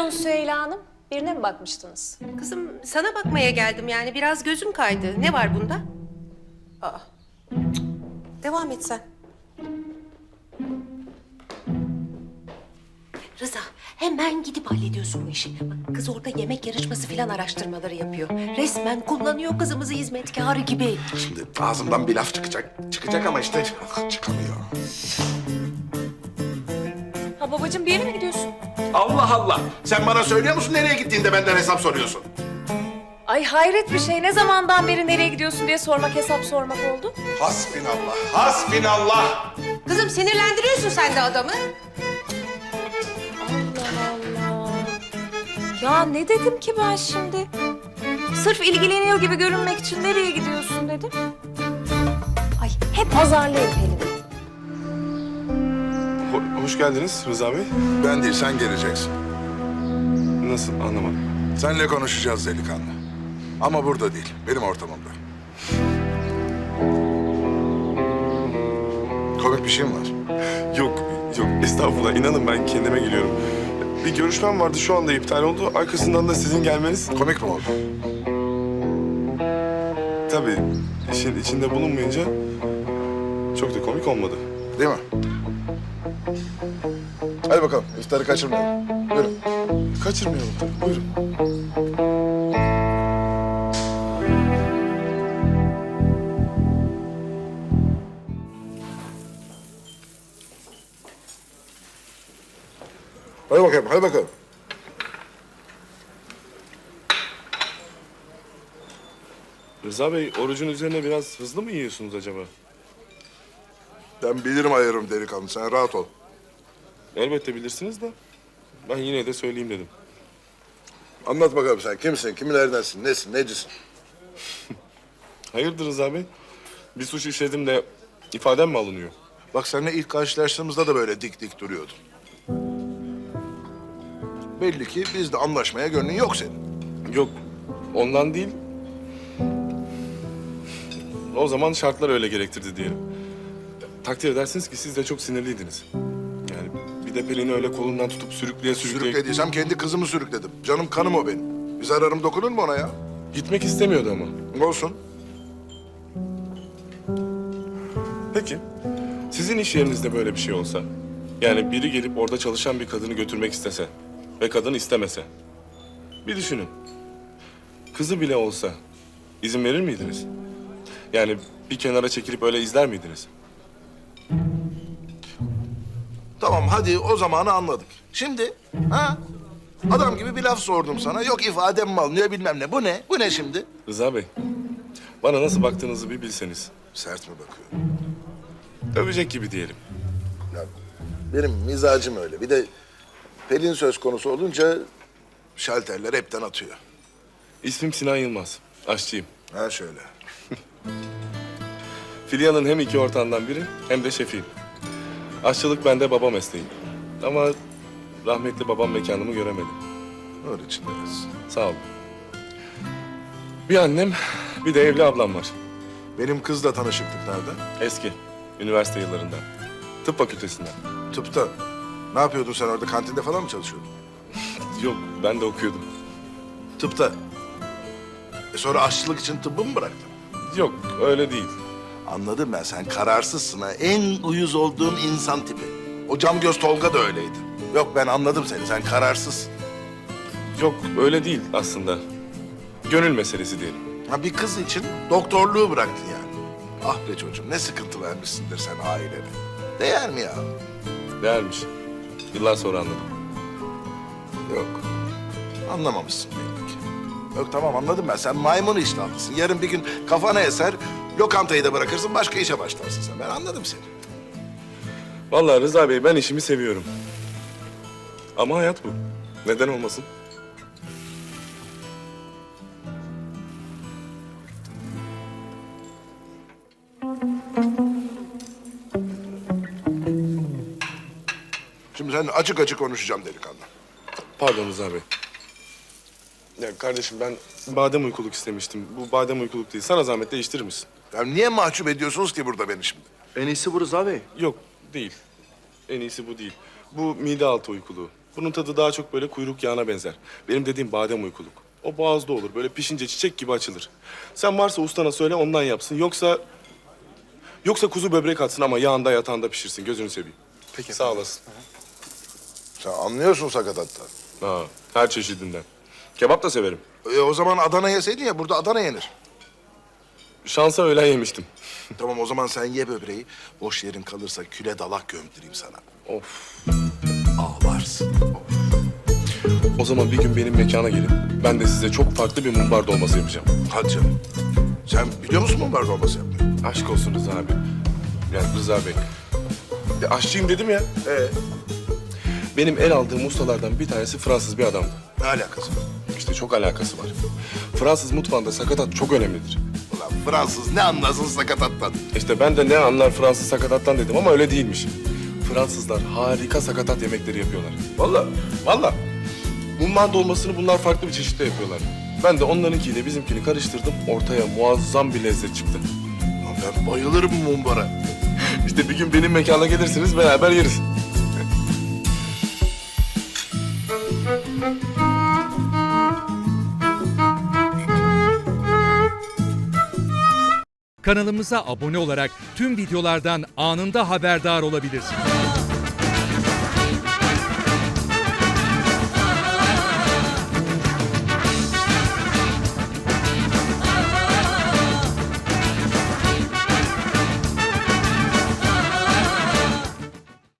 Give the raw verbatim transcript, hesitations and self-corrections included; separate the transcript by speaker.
Speaker 1: Buyurun Süheyla Hanım. Birine mi bakmıştınız?
Speaker 2: Kızım sana bakmaya geldim yani biraz gözüm kaydı. Ne var bunda? Aa. Cık. Devam et sen. Rıza hemen gidip hallediyorsun bu işi. Bak kız orada yemek yarışması falan araştırmaları yapıyor. Resmen kullanıyor kızımızı hizmetkarı gibi.
Speaker 3: Şimdi ağzımdan bir laf çıkacak. Çıkacak ama işte çıkamıyor.
Speaker 1: Ha babacığım bir yere mi gidiyorsun?
Speaker 3: Allah Allah! Sen bana söylüyor musun nereye gittiğinde benden hesap soruyorsun?
Speaker 1: Ay hayret bir şey. Ne zamandan beri nereye gidiyorsun diye sormak hesap sormak oldu.
Speaker 3: Hasbinallah, hasbinallah!
Speaker 2: Kızım sinirlendiriyorsun sen de adamı.
Speaker 1: Allah Allah. Ya ne dedim ki ben şimdi? Sırf ilgileniyor gibi görünmek için nereye gidiyorsun dedim. Ay hep azarlayın Pelin'i.
Speaker 4: Ho- hoş geldiniz Rıza Bey.
Speaker 3: Ben değil, sen geleceksin.
Speaker 4: Nasıl anlamadım.
Speaker 3: Seninle konuşacağız delikanlı. Ama burada değil, benim ortamımda. Komik bir şey mi var?
Speaker 4: Yok, yok estağfurullah. İnanın ben kendime geliyorum. Bir görüşmem vardı şu anda iptal oldu. Arkasından da sizin gelmeniz...
Speaker 3: Komik mi oldu?
Speaker 4: Tabii işin içinde bulunmayınca çok da komik olmadı.
Speaker 3: Değil mi? Hadi bakalım, iftarı kaçırmayalım. Buyurun.
Speaker 4: Kaçırmayalım tabii. Buyurun.
Speaker 3: Hadi bakalım, hadi bakalım.
Speaker 4: Rıza Bey orucun üzerine biraz hızlı mı yiyorsunuz acaba?
Speaker 3: Ben bilirim ayırırım delikanlı, sen rahat ol.
Speaker 4: Elbette bilirsiniz de ben yine de söyleyeyim dedim.
Speaker 3: Anlat bakalım sen kimsin, kimilerdensin, nesin, necisin?
Speaker 4: Hayırdır Rıza Bey? Bir suç işledim de ifadem mi alınıyor?
Speaker 3: Bak seninle ilk karşılaştığımızda da böyle dik dik duruyordun. Belli ki bizde anlaşmaya gönlün yok senin.
Speaker 4: Yok, ondan değil. O zaman şartlar öyle gerektirdi diyelim. Takdir edersiniz ki siz de çok sinirliydiniz. Yani bir de Pelin'i öyle kolundan tutup sürükleye sürükleye...
Speaker 3: Sürüklediysem kendi kızımı sürükledim. Canım kanım o benim. Bir zararım dokunur mu ona ya?
Speaker 4: Gitmek istemiyordu ama.
Speaker 3: Olsun.
Speaker 4: Peki, sizin iş yerinizde böyle bir şey olsa... Yani biri gelip orada çalışan bir kadını götürmek istese... Ve kadın istemese... Bir düşünün. Kızı bile olsa izin verir miydiniz? Yani bir kenara çekilip öyle izler miydiniz?
Speaker 3: Tamam hadi o zamanı anladık. Şimdi ha? Adam gibi bir laf sordum sana. Yok ifadem mi alınıyor bilmem ne. Bu ne? Bu ne şimdi?
Speaker 4: Rıza Bey, bana nasıl baktığınızı bir bilseniz.
Speaker 3: Sert mi bakıyor?
Speaker 4: Övecek gibi diyelim.
Speaker 3: Ya, benim mizacım öyle. Bir de Pelin söz konusu olunca şalterler hepten atıyor.
Speaker 4: İsmim Sinan Yılmaz, aşçıyım.
Speaker 3: Ha şöyle.
Speaker 4: Filya'nın hem iki ortağından biri hem de şefiyim. Aşçılık bende baba mesleği. Ama rahmetli babam mekanımı göremedi.
Speaker 3: Onun için deriz.
Speaker 4: Sağ olun. Bir annem, bir de evli ablam var.
Speaker 3: Benim kızla tanışıklık nerede?
Speaker 4: Eski, üniversite yıllarından. Tıp fakültesinden.
Speaker 3: Tıpta. Ne yapıyordun sen orada? Kantinde falan mı çalışıyordun?
Speaker 4: Yok, ben de okuyordum.
Speaker 3: Tıpta. E sonra aşçılık için tıbbı mı bıraktın?
Speaker 4: Yok, öyle değil.
Speaker 3: Anladım ben. Sen kararsızsın ha. En uyuz olduğun insan tipi. O cam göz Tolga da öyleydi. Yok ben anladım seni. Sen kararsızsın.
Speaker 4: Yok, öyle değil aslında. Gönül meselesi diyelim.
Speaker 3: Ha bir kız için doktorluğu bıraktın yani. Ah be çocuğum ne sıkıntı vermişsindir sen ailene. Değer mi ya?
Speaker 4: Değermiş. Yıllar sonra anladım.
Speaker 3: Yok. Anlamamışsın belli ki. Yok tamam anladım ben. Sen maymun iştahlısın. Yarın bir gün kafana eser, lokantayı da bırakırsın, başka işe başlarsın sen. Ben anladım seni.
Speaker 4: Vallahi Rıza Bey ben işimi seviyorum. Ama hayat bu. Neden olmasın?
Speaker 3: Şimdi sen açık açık konuşacağım delikanlı.
Speaker 4: Pardon Rıza Bey. Ya kardeşim ben badem uykuluk istemiştim. Bu badem uykuluk değil. Sana zahmet değiştirir misin?
Speaker 3: Ya niye mahcup ediyorsunuz ki burada beni şimdi?
Speaker 5: En iyisi bu Rıza Bey.
Speaker 4: Yok değil. En iyisi bu değil. Bu mide altı uykuluğu. Bunun tadı daha çok böyle kuyruk yağına benzer. Benim dediğim badem uykuluk. O boğazda olur. Böyle pişince çiçek gibi açılır. Sen varsa ustana söyle ondan yapsın. Yoksa... Yoksa kuzu böbrek atsın ama yağında yatağında pişirsin. Gözünü seveyim.
Speaker 5: Peki
Speaker 4: Sağ
Speaker 5: efendim.
Speaker 4: olasın.
Speaker 3: Sen anlıyorsun sakatattan.
Speaker 4: Ha, her çeşidinden. Kebap da severim.
Speaker 3: E, o zaman Adana yeseydin ya, burada Adana yenir.
Speaker 4: Şansa öğlen yemiştim.
Speaker 3: Tamam, o zaman sen ye böbreği. Boş yerin kalırsa küle dalak gömdüreyim sana.
Speaker 4: Of.
Speaker 3: Ağlarsın.
Speaker 4: O zaman bir gün benim mekana gelin. Ben de size çok farklı bir mumbar dolması yapacağım.
Speaker 3: Hadi canım. Sen biliyor musun mumbar dolması yapmayı?
Speaker 4: Aşk olsun Rıza abi. Yani Rıza Bey. Ya aşçıyım dedim ya.
Speaker 3: Ee,
Speaker 4: Benim el aldığım ustalardan bir tanesi Fransız bir adamdı.
Speaker 3: ne alakası var?
Speaker 4: İşte çok alakası var. Fransız mutfağında sakatat çok önemlidir.
Speaker 3: Ulan Fransız ne anlasın sakatattan?
Speaker 4: İşte ben de ne anlar Fransız sakatattan dedim ama öyle değilmiş. Fransızlar harika sakatat yemekleri yapıyorlar. Vallahi, vallahi. Mumbar dolmasını bunlar farklı bir çeşitte yapıyorlar. Ben de onlarınkiyle bizimkini karıştırdım. Ortaya muazzam bir lezzet çıktı.
Speaker 3: Lan ben bayılırım mumbara.
Speaker 4: İşte bir gün benim mekana gelirsiniz beraber yeriz.
Speaker 6: Kanalımıza abone olarak tüm videolardan anında haberdar olabilirsiniz.